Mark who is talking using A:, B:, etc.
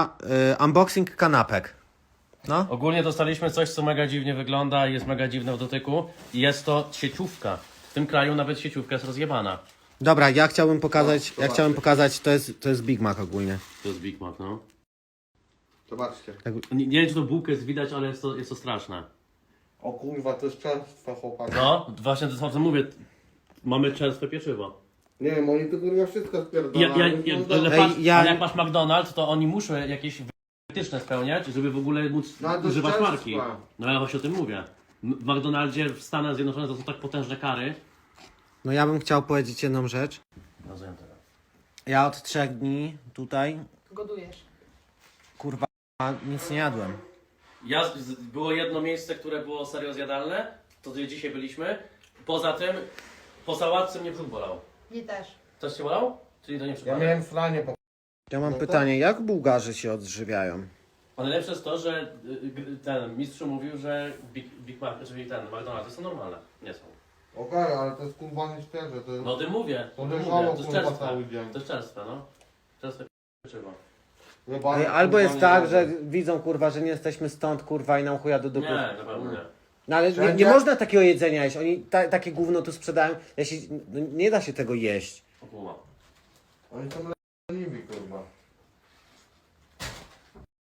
A: Unboxing kanapek. No.
B: Ogólnie dostaliśmy coś, co mega dziwnie wygląda i jest mega dziwne w dotyku. I jest to sieciówka. W tym kraju nawet sieciówka jest rozjebana.
A: Dobra, ja chciałbym pokazać, to jest Big Mac ogólnie.
B: To jest Big Mac, no.
C: Zobaczcie.
B: Nie wiem, czy to bułkę jest widać, ale jest to straszne.
C: O kurwa, to jest czerstwe, chłopaki.
B: No, właśnie to co mówię. Mamy czerstwe pieczywo.
C: Nie wiem, oni to kurwa wszystko spierdalają.
B: Ale jak masz McDonald's, to oni muszą jakieś wytyczne spełniać, żeby w ogóle móc
C: No, ale to jest
B: używać
C: czerstwa.
B: marki. No ja właśnie o tym mówię. W McDonaldzie w Stanach Zjednoczonych to są tak potężne kary.
A: No ja bym chciał powiedzieć jedną rzecz.
B: Rozumiem teraz.
A: Ja od 3 dni tutaj,
D: Godujesz.
A: kurwa, nic nie jadłem.
B: Było jedno miejsce, które było serio zjadalne, to gdzie dzisiaj byliśmy. Poza tym, po sałatce mnie brzuch bolał.
D: Nie też.
B: Coś cię bolał? Czyli to nie
C: Ja
B: przypadek?
C: miałem franie po...
A: Ja mam pytanie, jak Bułgarzy się odżywiają?
B: A najlepsze jest to, że ten mistrz mówił, że Big Mac, czyli ten McDonald's są normalne. Nie są.
C: Okej, ale to jest kurwa nie świeże, to jest...
B: No o tym mówię.
C: To
B: o tym
C: leżało,
B: mówię. To jest
C: kurwa,
B: czerstwe.
C: cały dzień.
B: To jest czerstwe, no. Czerstwe pieczywo.
C: Jebany,
A: Albo
C: kurwa,
A: jest
C: nie
A: tak,
C: jadłem.
A: że widzą kurwa, że nie jesteśmy stąd kurwa i nam chuja do dupy.
B: Nie, na pewno nie.
A: No ale nie
C: Wszędzie-
A: można takiego jedzenia jeść, oni takie gówno tu sprzedają, no, nie da się tego jeść.
B: O kurwa.
C: Oni są leniwi, kurwa.